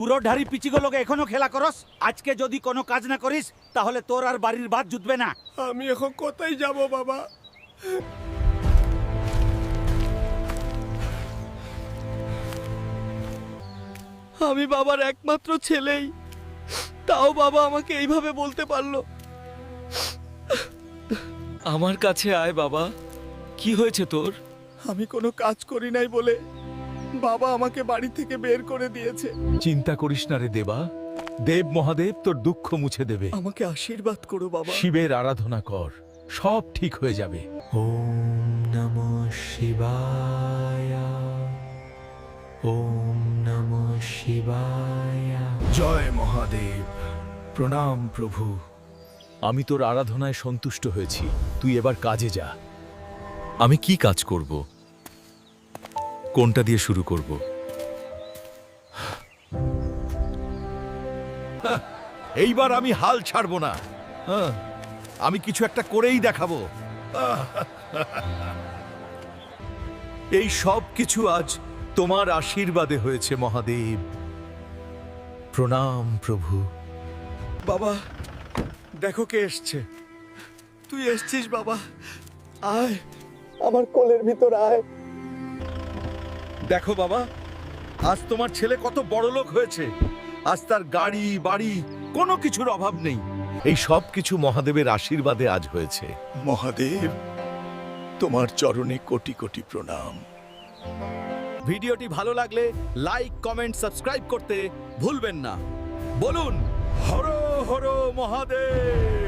পুরো ঢারি পিচিগুলোকে এখনো খেলা করস। আজকে যদি কোনো কাজ না করিস তাহলে তোর আর বাড়ির ভাত জুটবে না। আমি এখন কোথায় যাব বাবা? আমি বাবার একমাত্র ছেলেই, তাও বাবা আমাকে এইভাবে বলতে পারলো। আমার কাছে আয় বাবা। কি হয়েছে তোর? আমি কোনো কাজ করি নাই বলে বাবা আমাকে বাড়ি থেকে বের করে দিয়েছে। চিন্তা করিস না রে দেবা, দেব মহাদেব তোর দুঃখ মুছে দেবে। আমাকে আশীর্বাদ করো বাবা। শিবের আরাধনা কর, সব ঠিক হয়ে যাবে। ওম নমঃ শিবায়, ওম নমঃ শিবায়। জয় মহাদেব, প্রণাম প্রভু। আমি তোর আরাধনায় সন্তুষ্ট হয়েছি, তুই এবার কাজে যা। আমি কি কাজ করব? কোনটা দিয়ে শুরু করব? এইবার আমি হাল ছাড়বো না। হ্যাঁ, আমি কিছু একটা করেই দেখাবো। এই সব কিছু আজ তোমার আশীর্বাদে হয়েছে মহাদেব। প্রণাম প্রভু। বাবা দেখো কে এসছে। তুই এসছিস বাবা, আয় আমার কোলের ভিতর আয়। দেখো বাবা, আজ তোমার ছেলে কত বড় লোক হয়েছে। আজ তার গাড়ি বাড়ি কোনো কিছুর অভাব নেই। এই সব কিছু মহাদেবের আশীর্বাদে আজ হয়েছে। মহাদেব, তোমার চরণে কোটি কোটি প্রণাম। ভিডিওটি ভালো লাগলে লাইক কমেন্ট সাবস্ক্রাইব করতে ভুলবেন না। বলুন হর হর মহাদেব।